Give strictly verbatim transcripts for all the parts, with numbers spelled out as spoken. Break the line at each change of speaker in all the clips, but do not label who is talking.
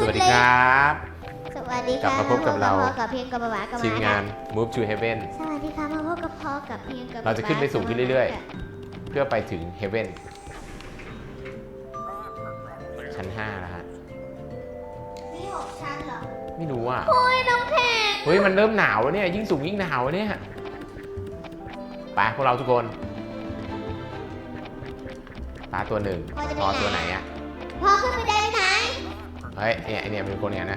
สวัสดีครับ
สวัสดีค่ะ
กลับมาพบกับเรา
กับเพียงกับหวากับ
ทีมงาน Move to Heaven
สวัสดีค่ะมาพบกับพ่อกับเพียงกับ
เราจะขึ้นไปสูงขึ้นเรื่อยๆ เพื่อไปถึง Heaven ชั้นห้าแล้วฮะ
นี่หกชั้นเหรอ
ไม่รู้อ่ะ
โอ้ยน้องแข็ง
เฮ้ยมันเริ่มหนาวแล้วเนี่ยยิ่งสูงยิ่งหนาวเนี่ยไปพวกเราทุกคนปลาตัวหนึ่งพอตัวไหนอ่ะ
พ่อขึ้นไปได้ไหม
เฮ้ยเนี่ยไอเนี่ยเป็นคนเนี่ยนะ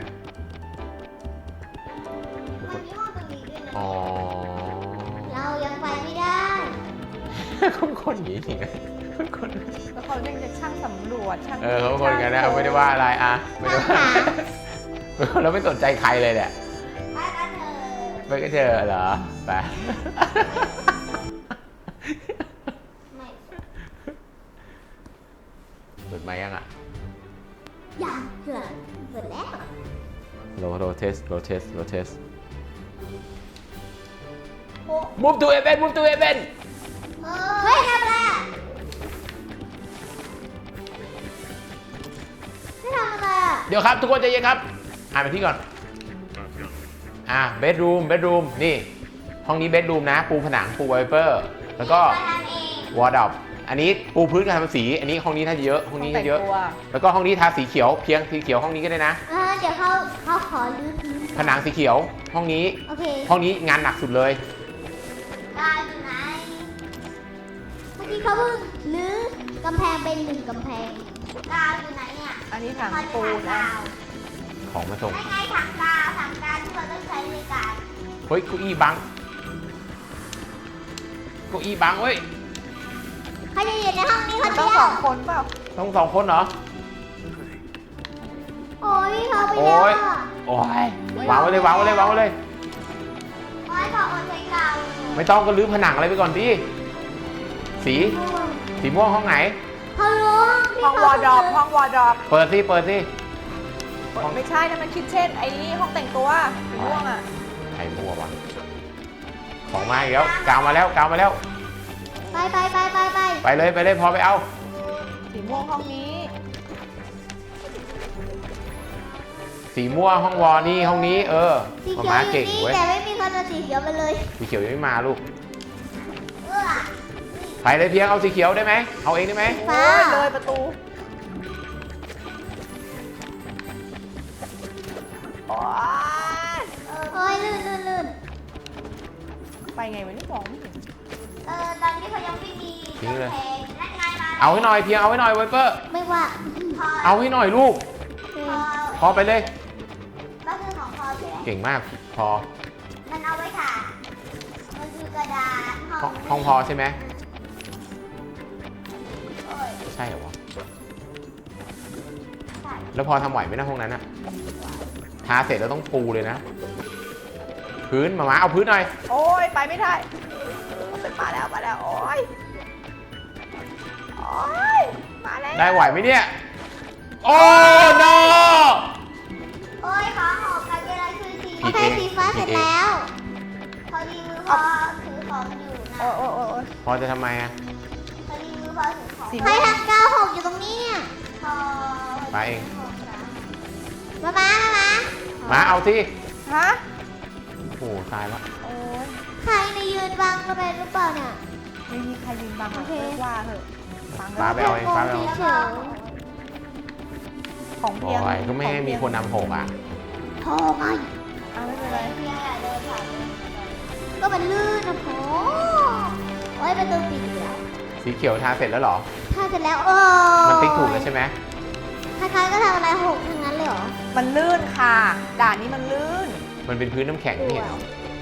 มันมีห้องตรงนี้ด้วยนะ
อ๋อ
เรายังไปไม่ได้
คนคนอย่างนี้จริงนะคนคน
แล้วเขาเรียกจะช่างสำรวจช่าง
เออเขาคนกันนะไม่ได้ว่าอะไรอ่ะไม่ได้ว่าเราไม่สนใจใครเลยเนี่ย
ไปกันเถอะ
ไปก็เจอเหรอไป
ไม่
เปิดไมค์ยังอ่ะ
ยังเผื่อเปิดแล้ว
โลโลเทสโลเทสโลเทส
โอ้
move to event move to event
เฮ้ยทำอะไรอ่ะไม่ทำอะไรอ่ะ
เดี๋ยวครับทุกคนใจเย็นครับอ่านไปที่ก่อนอ่า bedroom bedroom นี่ห้องนี้ bedroom นะปูผนังปูไวเปอร์แล้วก็
มาทำเอง
wardrobe อันนี้ปูพื้นกับทำสีอันนี้ห้องนี้ถ้าเยอะห้องนี้ถ้าเยอะ แล้วก็ห้องนี้ทาสีเขียวเพียงสีเขียวห้องนี้ก็ได้นะ
เออเดี๋ยวเขาเขาขอรื้อพื้น
ผนังสีเขียวห้องนี้
โอเค
ห้องนี้งานหนักสุดเลย
กาวอยู่ไหนเมื่อกี้เขาเพิ่งรื้อกำแพงเป็นหนึ่งกำแพงกาวอยู่ไหนเนี่ย
อันนี้ถังปูนนะ
ของมาส่ง
ไม่ไงถังกาวถังกาวที่เราต้องใช้ในการ
เฮ้ยเก้าอี้บังเก้าอี้บังเว้ย
เขาจะอยู่ในห้องนี้คน
ต้
เดี
อง
ย
ส
ว
องคนเปล่า
ต้องสองคนเหรอ
โอ้ยเขาไป
โอ้
แล้ว
ย
อ่ะ
โอ้ยวางไว้เลยวางไว้เลยวางไว้เลย
โอ้ยขออดใช้กาว
ไม่ต้องก็รื้อผนังอะไรไปก่อนดิสีสีม่วงห้องไหน
เขารู้
ห้องวอร์ดรอปห้องวอร์ดรอป
เปิดสิเปิดสิ
ไม่ใช่นะมันคิดเช่นไอ้นี่ห้องแต่งตัวสีม่วงอ่ะ
ใครมั่ววะของมาอีกแล้วกาวมาแล้วกาวมาแล้ว
ไปไปไปไปไป
ไปเลยไปเลยพอไปเอา
สีม่วงห้องนี้
สีม่วงห้องวอนี่ห้องนี้เออ
สี
มา
เขียวอยู่
ม้าเก่ง
นี่
เว้ย
แต่ไม่มีคนเอาสีเขียวมาเลย
สีเขียวยังไม่มาลูก
เออ
ไปเลยเพียงเอาสีเขียวได้ไหมเอาเองได้ไหม
ฟ้า
โอ้ยเลยประตูโอ้ย
โอ้ยลื่นลื่นลื่น
ไปไงวะนี่มองไม่เห็น
เออตอนนี้เขายังไม่มีกำแพงนั่นไงมา
เอาให้หน่อยเพียงเอาให้หน่อยไวเปอร์
ไม่ว่าพอ
เอาให้หน่อยลูก
พอ
พอไปเลย
ก็คือของพอใช่ไหม
เก่งมากพอ
มันเอาไว้ถ่ายมันคือกระดาษ
ห้องห้องพอใช่ไหม
โอ้ย
ใช่เหรอวะ
ถ่าย
แล้วพอทำไหวไหมนะห้องนั้นอะทาเสร็จแล้วต้องปูเลยนะ พื้นมามาเอาพื้นหน่อย
โอ้ยไปไม่ได้เป็นมาแล้วมาแล้วโอ้ยโอ้ยมาแล้ว
ได้ไหวไหมเนี่ย โอ้ no
โอ้ยขอหอบกันเวลาคือสี
ผิ
โอ
ด
เค
เอง
สีฟ้า
ผิ
เสร็
ด
จ
เอง
แล้วพอดีมือพอถือของอยู่นะ
โอ้ยโอ้ยโอ้ยโอ้ย
พอจะทำไมอะ
พอดีมือพอถือของ
สี
ใครทำกาวหกอยู่ตรงนี้เนี่ยพอ
มาเอง
มามามามา
มาเอาสิ
ฮะ
โอ้โหตายแล้ว
โอ้ย
ใครในยืนบังเราเป็นหรือเปล่าเนี่ย
ไม่มีใครยืนบังหรอก
โอเค
เลิกว่าเหอะบัง
ฟ้า
แล้ว
ไปเอาเองฟ้าไปเอา
เฉย
ของ
โอ้
เพียง
ยก็ไม่ให้มีคนนำหกอ่ะ
ๆโทรไง
อ่ะไม่เป็นไร
ก็มันลื่นนะโผโอ้ยประตูปิดอยู่แล้ว
สีเขียวทาเสร็จแล้วเหรอ
ถ้าเสร็จแล้วโอ้
มันติ๊กถูกแล้วใช่ไหม
คล้ายๆก็ทำอะไรหกทั้งนั้นเลยเหรอ
มันลื่นค่ะ ด่านนี้มันลื่น
มันเป็นพื้นน้ำแข็งนี่เห็นเหรอ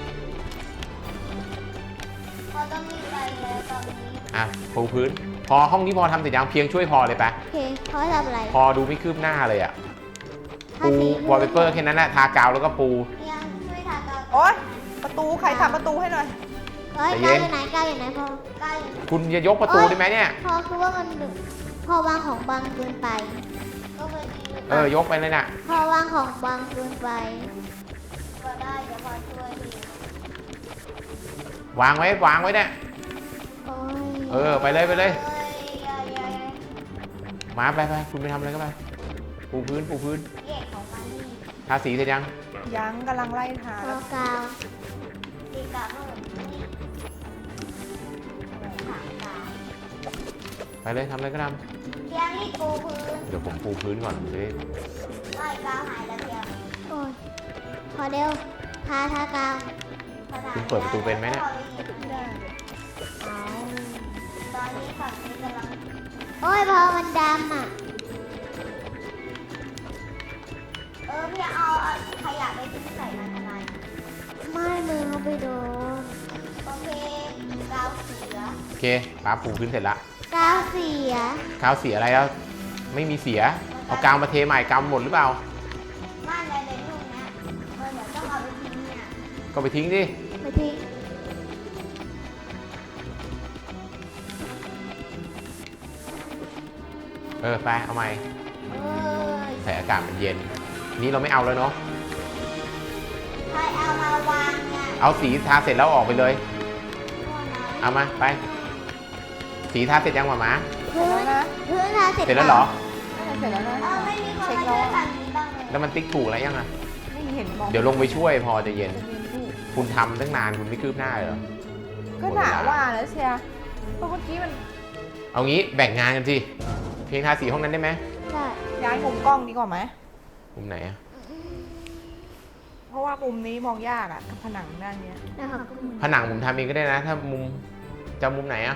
พอต้องมีไปแล้วตอนนี้
อ่ะปูพื้น พอห้องนี้พอทำเสร็จยังเพียงช่วยพอเลยปะ
โอเคเขาให้ทำอะไร
พอดูไม่คืบหน้าเลยอ่ะ
ทา
ปู
สี
วอลเปเปอร์แค่นั้นแหละทากาวแล้วก็ปู
ยังช่วยทากาว
โอ๊ย ประตูใครทำประตูให้หน่อย
เฮ้ย
ใจเย็
กาวน อยู่ไหนกาวอยู่ไหนพอกาวอยู่ไหน
คุณจะยกประตูได้ไหมเนี่ย
พอคือว่ามันดึกพอวางของบางเกินไป ก็พอดี
เออยกไปเลยน่ะ
พอวางของบางเกินไปก็ได้เดี๋ยวพอช่วยดี
วางไว้วางไว้เนี่ย
โอ้ย
เออไปเลยไปเลย
อ้ยอย่าอย่า
มาไปไปคุณไปทำอะไรก็ไป ไปปูพื้นปูพื้น
แยกของมันนี่
ทาสีเสร็จยัง
ยังกำลังไล่ทา
พ
แล้ว
อกาวตีกาวเพิ่มนี่ถามกาว
ไปเลยทำอะไรก็ท
เพียงนี่ปูพื้น
ำเดี๋ยวผมปูพื้นก่อนจะได้
ไล่กาวหายแล้วเพียงโอ้ยพอเร็วทาทากาวทาทา
คุณเปิดประตูเป็นไหมเนี่ย
ไม่ได้
เอาตอนนี้ฝั่งนี้กำลังโอ้ยพอมันดำอ่ะเออพี่เอาขยะไปทิ้งใส่มันทำไมไม่มือเขาไปโดนโอเคกาวเสีย
โอเคป้าปูพื้นเสร็จละ
กาวเสีย
กาวเสียอะไรแล้วไม่มีเสียเอากาวมาเทใหม่กาวหมดหรือเปล่า
บ้านในในรูปเนี้ยมันเหมือนต้องเอาไปทิ้งเนี่ย
ก็ไปทิ้งดิ
ไปทิ้ง
เออไปเอาใหม่
เอ้ย
แต่อากาศมันเย็น นี้เราไม่เอาแล้วเนาะ
ใครเอามาวางเนี่ย
เอาสีทาเสร็จแล้วออกไปเลย
โน่นนะ
เอามาไป สีทาเสร็จยังหมาหมา
เสร็จแล้วนะ
พื้นทาเสร็จ
เสร็จแล้วเหรอ
น่าจะเสร็จแล้วนะ
เออไม่มีคน
เช็ค
มา
แล้ว
ช่วย
อะ
ฝั่งนี้บ้างเลย
แล้วมันติ๊กถูกแล้วยังอ่ะ
ไม่เห็นมอง
เดี๋ยวลงไปช่วยพอจะเย็น
จะเย็นพี่
คุณทำตั้งนานคุณไม่คืบหน้าเลยเหรอ
ก็หนาว่าแล้วเชียร์เพราะเมื่อกี้มัน
เอางี้แบ่งงานกันสิ เพียงทาสีห้องนั้นได้ไหม
ใช่
ย้ายมุมกล้องดีกว่าไหม
มุมไหนอะ
เพราะว่ามุมนี้มองยากอะกับผนังด้านเนี้ย
นะครับ
ผนังผมทำเองก็ได้นะ ถ้ามุมจะมุมไหนอะ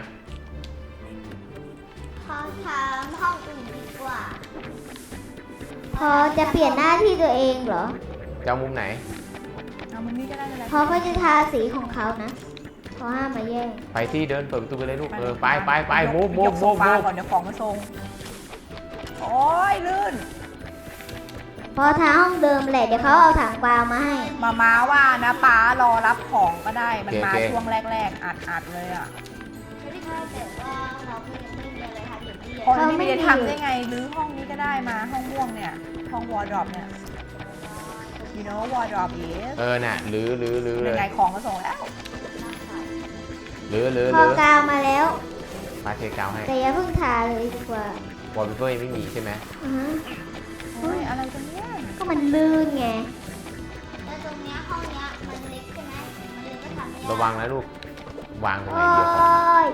ขอถามห้องอื่นดีกว่า พอจะเปลี่ยนหน้าที่ตัวเองเหรอ
จะมุมไหน
เอามุมนี้ก็ได้ไม่เป็นไร
พอเขาจะทาสีของเขานะเขาห้ามมาแย่ง
ไปที่เดินเปิดประตูไปเลยลูก เออไปไปไป
ยก
มูฟมู
ย
ฟ
กโซ
มูฟ
ฟา
มูฟ
ก่อนเดี๋ยวของมาทรงโอ้ยลื่น
พอทาห้องเดิมแหละเดี๋ยวเขาเอาถังกวาวมาให้
มาม้าว่านะป้ารอรับของก็ได้มันมาช่วงแรกๆอัดอัดๆเลยอะ
ไม่ได้ค่ะแต่ว่าเราก็ยังไม่มีอะไรทำอย่างนี้
คนที่ไม่ได้ทำได้ไงหรือห้องนี้ก็ได้มาห้องม่วงเนี่ยห้องวอร์ดรอปเนี่ย you know wardrobe is
เออน่ะหรือหรือหรือเล
ยัง
ย
ไงของก็ส่งแล้ว
หรือหรือ
พ
ห
อ
รือก
าวมาแล้ว
มาเทกาวให้
แต่อย่าเพิ่งทาเลยดีกว่าว
อลเปเปอร์ยังไม่มีใช่ไหม
อือฮะ
โอ้ยอะไรกันเนี่ย
ก็มันลื่นไงแต่ตรงเนี้ยห้องเนี้ยมันเล็กใช่ไหมมันเลยก็ทำไม่ได้
ระวังนะลูก วางตรงไหน
โอ้
เดียวครับ
ย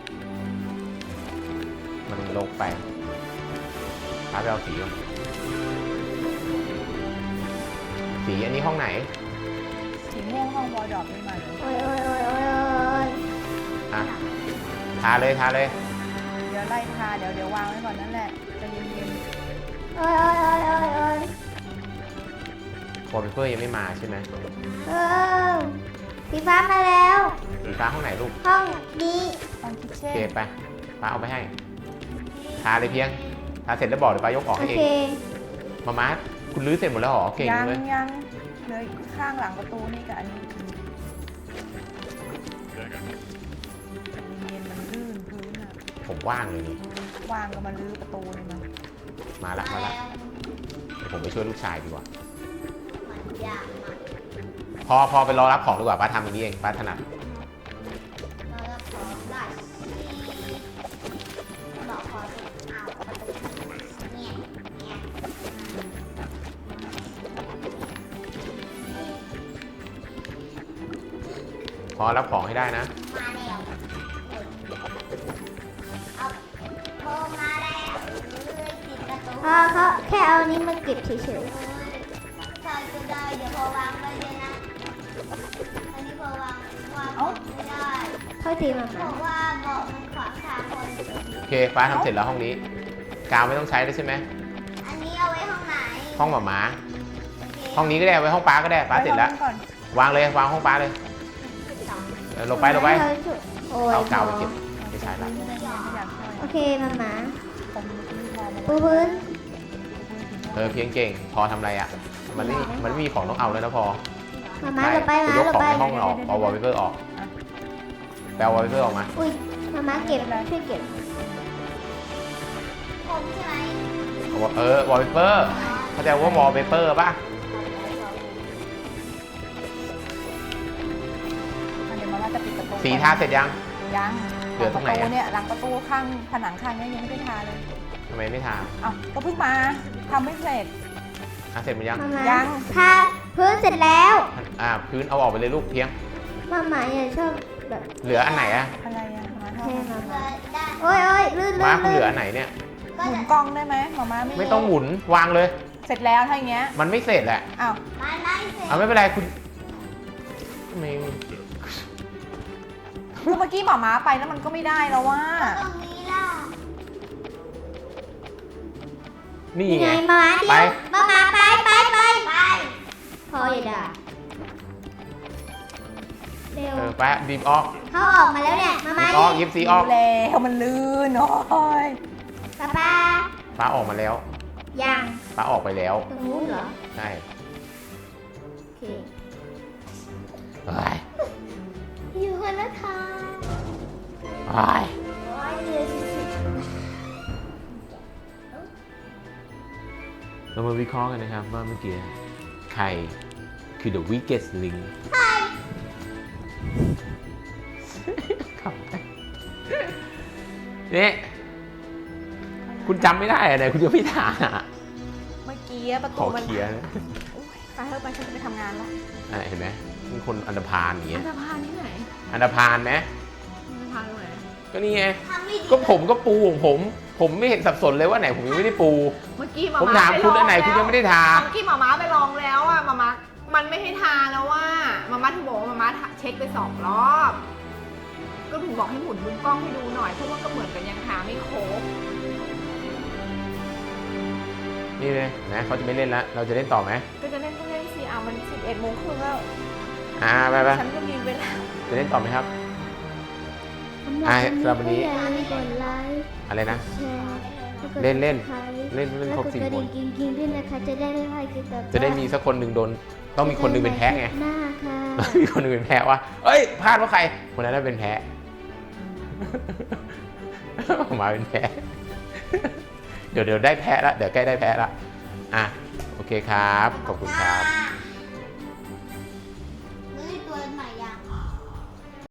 มันลงไปพาไปเอาสีก่อนสีอันนี้ห้องไหน
สีม่วงห้องวอร์ดรอปไม่มาเลย
โอ้ยโอ้ยโอ้ยโอ้ยโอ้ย
อ่ะ ทาเลยทาเลย
เดี๋ยวไล่ทาเดี๋ยวเดี๋ยววางไว้ก่อนนั่นแหละใจะเย็น
โอ้ยโอ้ยโอ้ยโอ้ยโอ้ยว
อลเปเปอร์ยังไม่มาใช่ไหม
เออสีฟ้ามาแล้ว
สีฟ้าห้องไหนลูก
ห้องนี้
ๆห้องคิท
โอ
เช่
เคน ไปป้าเอาไปให้ ทาเลยเพียง ทาเสร็จแล้วบอกเดี๋ยวป้ายกออก
โอ
ให้เอ
เค
ง มาม่าคุณรื้อเสร็จหมดแล้วเหรอ เก่ง
ยัง
เลย
ยังเหลยข้างหลังประตูนี่กับอันนี้เย็นมันลื่นพื้นอะ
ผมว่างเลยนี่
วางก็มาลื้อประตูเลยนะ
มาละมาละเดี๋ยวผมไปช่วยลูกชายดีกว่า
มันยากมาก
พอพอไปรอรับของดีกว่าป้าทำอย่างนี้เองป้าถนัด
เราจะขอได้ที่บอกขอสิเอาประตูเนี่ยเนี่ย
พอรับของให้ได้นะ
มาแล้วเอาโทรมาแล้วเลยติดประตูพอเขาแค่เอานี้มาเก็บเฉยๆใช่ก็ได้เดี๋ยวพอวางไว้เลยนะอันนี้พอวางวางไม่ได้เท่าทีมันบอกว่าเบาะมันขวางทางคน
โอเคป้าทำเสร็จแล้วห้องนี้ กาวไม่ต้องใช้แล้วใช่ไหม
อันนี้เอาไว้ห้องไหน
ห้องหมาม้า
โเค
ห้องนี้ก็ได้ไว้ห้องป้าก็ได้ป้าเสร็จแล้ว
ไห้องนั้นก่อน
วางเลยวางห้องป้าเลยเออลงไปลงไป
โอ้ย
เอากาวไปเก็บไม่ใช่ละ
ไม่ได้ไงไม่อยากช่วย
โอเคมาหมา
ผมมีมองมา
ปูพื้น
เออเพียงเก่ง พอทำอะไรอ่ะ มันไม่มันไม่มีของต้องเอาแล้วนะพอ
มาหมา
ใช่
เราไป
ไป
มาย
ก
เรา
ของ
ไป
ในห้องออกเอาวอลเปเปอร์ออกแปลวอลเปเปอร์ออกมา
อุ้ยมาหมาเก็บช่วยเก็บผมใช่ไหม
เอาวอเออวอลเปเปอร์เข้าใจว่าวอลเปเปอร์ป่ะ
เดี๋ยวมาว่าจะปิดประตู
สีทาเสร็จยัง
ยัง
เหลือตรงไหน
ประตู
อะ
เนี่ยหลังประตูข้างผนังข้างเนี้ยังไม่ได้ทาเลย
ทำไมไม่ทา
เอ้าก็เพิ่งมาทำไม่เสร็จ
อ่ะเสร็จหมดยัง
มามา
ยัง
ทาพื้นเสร็จแล้ว
อ่าพื้นเอาออกไปเลยลูกเพียง
มาหมาอย่าชอบแบบ
เหลืออันไหนอะ
อะไรอะมา
แค่
ทำ
มาโอ้ยโอ้ยลื่นลื่
มาน คุณเหลืออันไหนเนี่ย
หมุนกล้องได้ไหมหมาม้าไม่
ไม่ต้องหมุนวางเลย
เสร็จแล้วถ้าอย่างเงี้ย
มันไม่เสร็จแหละ
อ้าว
มันไม่เสร็จ
เอาไม่เป็นไรคุณไม่
คือเมื่อกี้หมาม้าไปแล้วมันก็ไม่ได้แล้วว่า
ตรงนี้ล่ะ
นี่
ยัง
ไง
ไงมาเดี
ไป
ยวมามาไปไปไปไปพออย่าด่าเร็ว
เออไปบีบออก
เขาออกมาแล้วเนี่ยมา
บี
มา
บออกยิบซีออก
แล้วมันลื่นโอ้ย
ป้าป้า
ป้าออกมาแล้ว
ยัง
ป้าออกไปแล้ว
ตรงนู้นเหรอ
ใช่
โอเค
เฮ้ย
อยู่คนละทาง
เฮ้ย
โอ้ยเดือดสุด
เรามาวิเคราะห์กันนะครับว่าเมื่อกี้ใครคือ the weakest link
ๆใช่
ครับนี่คุณจำไม่ได้อะไรคุณจะไม่ทา
เมื่อกี้ประ
ข
ตู
อ
มัน
เคลียร์นะ
โอ๊ยไปเถอะไปฉันจะไปทำงานละ
อ่ะเห็นไหมมีคนอันดพานอย่างเงี้
อั
ย
นธพาลที่ไหน
อันดพานไหม
อันธพาลตรงไหน
ก็นี่ไง
ทำไม่ดี
ก็ผมก็ปูของผม ผมไม่เห็นสับสนเลยว่าไหนผมยังไม่ได้ปู
เมื่อกี้หมา
ผม
ม้า
ถาม
ไป
คุณ
ล
อันไหนคุณยังไม่ได้ทา
เมื่อกี้หมาม้าไปลองแล้วอะหมาม้ามันไม่ให้ทาแล้วว่าหมาม้าถึงบอกว่าหมาม้าเช็คไปสองรอบ ก็ถึงบอกให้หมุนมุมกล้องให้ดูหน่อยเพราะว่าก็เหมือนกันยังทาไม่ครบ
นี่เลยนะเขาจะไม่เล่นละเราจะเล่นต่อไหม
ก็จะเล่นก็เล่นสิอ่ะมันสิบเอ็ดโมงครึ่งแล้ว
อ่าไปไป
ฉันก็มีเวลา
จะเล่นต่อไหมครับ
สำห
อ่ะ
รับ
สำหรับวันนี้
อย่าลืมกดไลค์
อะไรนะ
แชร์แล้วกด
เล่นเล่น
Subscribe
เล่นเล่นครบสี่
แล้วกดกระ
ค
ดิ่
น
งกิ๊งๆด้วยนะคะจะได้ไม่พลาดคลิปแบบ
จะได้มีสักคนหนึ่งโดน ต้องมีคนหนึ่งเป็นแพ้ไง
หน้าค่ะ
มีคนหนึ่งเป็นแพ้ว่าเอ้ยพลาดว่าใคร คนนั้นน่ะเป็นแพ้ มาเป็นแพ้ เดี๋ยวเดี๋ยวได้แพ้ละเดี๋ยวใกล้ได้แพ้ละอ่ะโอเคครับ ขอบคุณครับ